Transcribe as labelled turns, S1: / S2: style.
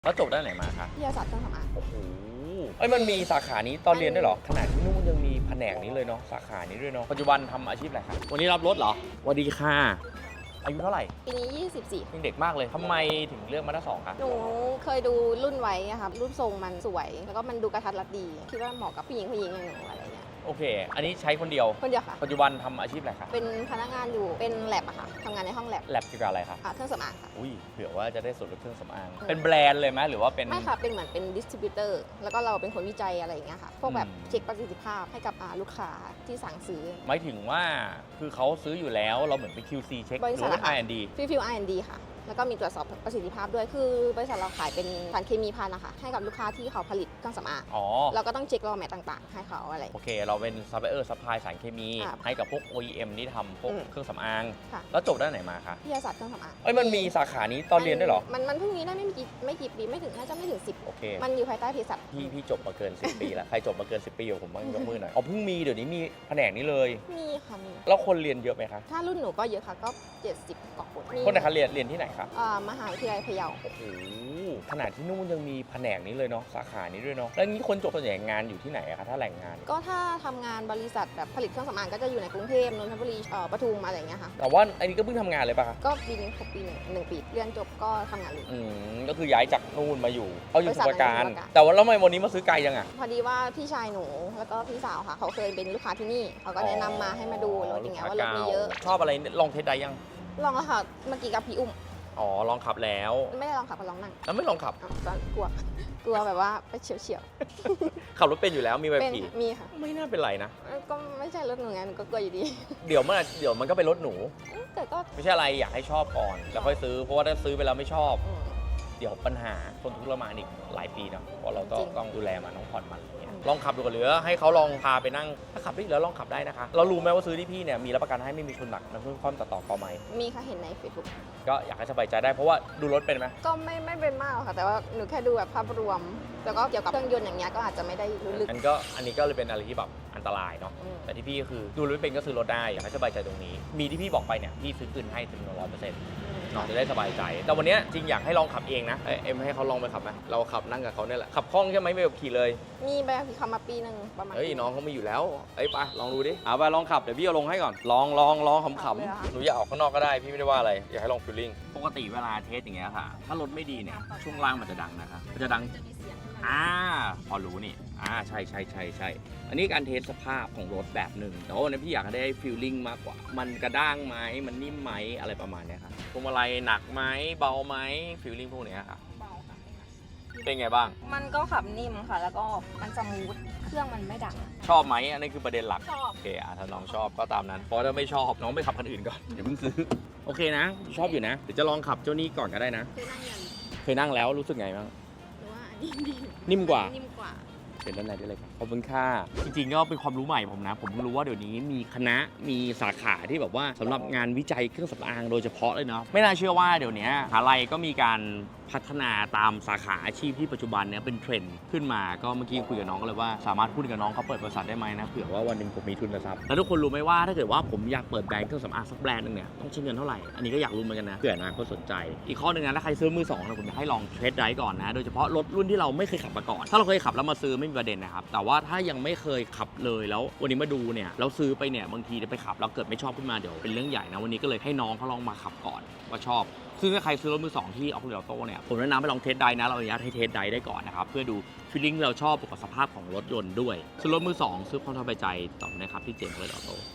S1: แล้วจบด้านไหนมาคะ
S2: วิทยาศาสตร์เครื่องสำอาง
S1: โอ้โหมันมีสาขานี้ตอนเรียนด้วยเหรอขนาดที่นู่นยังมีแผนกนี้เลยเนาะสาขานี้ด้วยเนาะปัจจุบันทำอาชีพอะไรครับวันนี้รับรถเหรอสวัสดีค่ะอายุเท่าไหร่
S2: ปีนี้ 24
S1: ยังเด็กมากเลยทำไมถึงเลือกมาด้าสองคะ
S2: หนูเคยดูรุ่นไว้อะครับรุ่นทรงมันสวย แล้วก็มันดูกระทัดรัดดี คิดว่าเหมาะกับผู้หญิงอย่างหนูอะไรเงี้ย
S1: โอเค อันนี้ใช้คนเดียว
S2: คนเดียวค่ะ
S1: ปัจจุบันทำอาชีพอะไรคะ
S2: เป็นพนักงานอยู่ เป็นแลบอะค่ะทำงานในห้องแลบ
S1: แลบเกี่ยวกับอะไรคะ
S2: เครื่องสำอางค่ะ
S1: อุ้ยเผื่อว่าจะได้ส่วนลดเครื่องสำอางเป็นแบรนด์เลยไหมหรือว่าเป็น
S2: ไม่ค่ะ เป็นเหมือนเป็นดิสติบิวเตอร์ แล้วก็เราเป็นคนวิจัยอะไรอย่างเงี้ยค่ะ พวกแบบ
S1: อืม
S2: เช็คประสิทธิภาพให้กับลูกค้าที่สั่งซื้อ
S1: หมายถึงว่าคือเขาซื้ออยู่แล้วเราเหมือนเป็น QC เช็ค
S2: บริษัท
S1: หรือว่า
S2: อะค่ะ
S1: R&D
S2: ฟิล R&D ค่ะ แล้วก็มีตรวจสอบประสิทธิภาพด้วย คือบริษัทเราขายเป็นสารเคมีภัณฑ์นะคะ ให้กับลูกค้าที่เขาผลิตเครื่องสำอาง
S1: อ๋อ
S2: เราก็ต้องเช็ครอแมทต่างๆ ให้เขาอะไร
S1: โอเค เราเป็นซัพพลายเออร์ซัพพลายสารเคมี
S2: ครับ
S1: ให้กับพวก OEM ที่ทำพวก
S2: อืม
S1: เครื่องสำอาง
S2: ค่ะ
S1: แล้วจบด้านไหนมาคะ
S2: วิทยาศาสตร์เครื่องสำอาง
S1: มันมีสาขานี้ตอนเรียนด้วยเหรอ
S2: มันเพิ่งมีได้ไม่กี่ปีไม่ถึงน่าจะไม่ถึง10
S1: โอเค
S2: มันอยู่ภายใต้เภสัช
S1: พี่จบมาเกิน 10 ปีแล้ว ใครจบมาเกิน 10 ปีกับผมบ้างยกมือหน่อย อ๋อเพิ่งมีเดี๋ยวนี้มีแผนกนี้เลย
S2: มีค่ะมี
S1: แล้วคนเรียนเยอะไหมคะ
S2: ถ้ารุ่นหนูก็เยอะค่ะก็ 70 กว่าคนมี
S1: คนไหนคะเรียนที่ไหนคะ
S2: มหาวิทยาลัยพะเยา
S1: โอ้โหขนาดที่นู่นยังมีแผนกนี้เลยเนาะสาขานี้ด้วยเนาะแล้วงี้คนจบส่วนใหญ่งานอยู่ที่ไหนอะคะถ้าแหล่งงาน
S2: ก็ถ้าทำงานบริษัทแบบผลิตเครื่องสำอางก็จะอยู่ในกรุงเทพนนทบุรีปทุมอะไรอย่างเงี้ยค่ะ
S1: แต่ว่าอันนี้ก็เพิ่งทำงานเลยปะคะ
S2: ก็ปีนี้ครบปีหนึ่งปีเรียนจบก็ทำงานเลย
S1: ก็คือย้ายจากนู่นมาอยู่เอาอยู่
S2: บริ
S1: ส
S2: ษัท
S1: มุทรปราการ
S2: ในสมุทรปราการ
S1: แต่ว่าแล้วทำไมวันนี้มาซื้อไกลจังอะ
S2: พอดีว่าพี่ชายหนูแล้วก็พี่สาวค่ะเขาเคยเป็นลูกค้าที่นี่เขาก็แนะนำมาให้มาดูรถอย่างเงี้ยว่ารถมีเยอะ
S1: ชอบอะไรลองเทสได้ยัง
S2: ลองแล้วค่ะเมื่อกี้กับพี่อุ้ม
S1: อ๋อลองขับแล้ว
S2: ไม่ได้ลองขับก็ลองนั่ง
S1: แล้วไม่ลองขับ
S2: ตอนกลัวแบบว่าไปเฉียว
S1: ขับรถเป็นอยู่แล้วมีใบ
S2: ๆเป็น
S1: ขี่
S2: มีค่ะ
S1: ไม่น่าเป็นไรนะ
S2: ก็ไม่ใช่รถหนูไงหนูก็กลัวอยู่ดี
S1: เดี๋ยวมันก็เป็นรถหนู
S2: แต่ก็
S1: ไม่ใช่อะไรอยากให้ชอบก่อนแล้วค่อยซื้อเพราะว่าถ้าซื้อไปแล้วไม่ชอบ
S2: อืม
S1: เดี๋ยวปัญหาคนทุกข์ทรมานอีกหลายปีเนาะเพราะเราก็
S2: จริง
S1: ต้องดูแลมันต้องผ่อนมันอะไรเงี้ย
S2: อืม
S1: ลองขับดูก่อนหรือให้เขาลองพาไปนั่งถ้าขับได้อยู่แล้วลองขับได้นะคะเรารู้ไหมว่าซื้อที่พี่เนี่ยมีรับประกันให้ไม่มีชนหนักน้ำพึ่งคว่ำตัดต่อกอไม้
S2: มีค่ะเห็นใน Facebook
S1: ก็อยากให้สบายใจได้เพราะว่าดูรถเป็นไหม
S2: ก็ไม่เป็นมากหรอกค่ะ แต่ว่าหนูแค่ดูแบบภาพรวม แล้วก็เกี่ยวกับเครื่องยนต์อย่างเงี้ยก็อาจจะไม่ได้รู้ลึก
S1: อันนี้ก็เลยเป็นอะไรที่แบบอันตรายเนาะ
S2: อืม
S1: แต่ที่พี่ก็คือดูรถเป็นก็ซื้อรถได้อยากให้สบายใจตรงนี้ มีที่พี่บอกไปเนี่ยพี่ซื้อคืนให้ถึง100%เนาะจะได้สบายใจ แต่วันเนี้ยจริงอยากให้ลองขับเองนะเอ็มให้เขาลองไปขับไหมเราขับนั่งกับเขาเนี่ยแหละขับคล่องใช่ไหมไม่แบบขี่เลย
S2: มีใบขับขี่ขับมาปีหนึ่งประมาณ
S1: เฮ้ย
S2: ปี
S1: น้องเขาไม่อยู่แล้วเอ้ยไปลองดูดิเอาไปลองขับเดี๋ยวพี่เอาลงให้ก่อนลองข
S2: ขับเลยเหรอ
S1: ำ
S2: คะ
S1: ๆหนูอยากออกข้างนอกก็ได้พี่ไม่ได้ว่าอะไรอยากให้ลองฟีลลิ่งปกติเวลาเทสอย่างเงี้ยค่ะถ้ารถไม่ดีเนี่ยช่วงล่างมันจะดังนะคะมันจะดังพอรู้นี่ใช่อันนี้การเทสสภาพของรถแบบหนึ่งแต่ว่าวันนี้พี่อยากให้ได้ฟีลลิ่งมากกว่ามันกระด้างไหมมันนิ่มไหมอะไรประมาณเนี้ยครับพวงมาลัยหนักไหมเบาไหมฟีลลิ่งพวกเนี้ยค่ะ
S2: เบาค่ะ
S1: เป็นไงบ้าง
S2: มันก็ขับนิ่มค่ะ แล้วก็มันสมูทเครื่องมันไม่ดัง
S1: ชอบไหมอันนี้คือประเด็นหลัก
S2: ชอบ
S1: โอเคถ้าน้องชอบก็ตามนั้น เพราะถ้าไม่ชอบน้องไปขับคันอื่นก่อนอย่าเพิ่งซื้อ โอเคนะ ชอบอยู่นะ เดี๋ยวจะลองขับเจ้านี้ก่อนก็ได้นะ
S2: เคยนั่งยัง
S1: เคยนั่งแล้วรู้สึกไงบ้าง
S2: หรือว่าอันนี้ดี
S1: นิ่มกว่า
S2: นิ่มกว่า
S1: เป็นด้านในได้เลยครับขอบคุณค่ะจริงๆก็เป็นความรู้ใหม่ผมนะ ผมเพิ่งรู้ว่าเดี๋ยวนี้มีคณะมีสาขาที่แบบว่าสำหรับงานวิจัยเครื่องสำอางโดยเฉพาะเลยเนาะไม่น่าเชื่อว่าเดี๋ยวนี้มหาลัยก็มีการพัฒนาตามสาขาอาชีพที่ปัจจุบันเนี้ยเป็นเทรนด์ขึ้นมาก็เมื่อกี้คุยกับน้องก็เลยว่าสามารถพูดกับน้องเขาเปิดบริษัทได้ไหมนะเผื่อว่าวันหนึ่งผมมีทุนทรัพย์แล้วทุกคนรู้ไหมว่าถ้าเกิดว่าผมอยากเปิดแบรนด์เครื่องสำอางสักแบรนด์หนึงเนี่ยต้องใช้เงินเท่าไหร่อันนี้ก็อยากรู้เหมือนกันนะเผื่ออนาคตสนใจอีกข้อหนึ่งนะถ้าใครซื้อมือสองนะผมอยากให้ลองเทสไดรฟ์ก่อนนะโดยเฉพาะรถรุ่นที่เราไม่เคยขับมาก่อนถ้าเราเคยขับแล้วมาซื้อไม่มีประเด็นนะครับแต่ว่าถ้ายังไม่เคยขับเลยแล้ววันนี้มาดูเนี่ยแล้วซื้อไปเนี่ยบางทีไปขับแล้วเกิดไม่ชอบขึ้นมาเดี๋ยวเป็นเรื่องใหญ่นะวันนี้ก็เลยให้น้องเขาลองมาขับก่อนว่าชอบซึ่งถ้าใครซื้อรถมือสองที่ออฟโรดโต้เนี่ยผมแนะนำให้ลองเทสไดรฟ์นะเราอนุญาตให้เทสไดรฟ์ได้ก่อนนะครับเพื่อดูฟีลลิ่งเราชอบบวกกับสภาพของรถยนต์ด้วยซื้อรถมือสองซื้อความสบายใจต่อนะครับที่เจมส์ออฟโรดโต้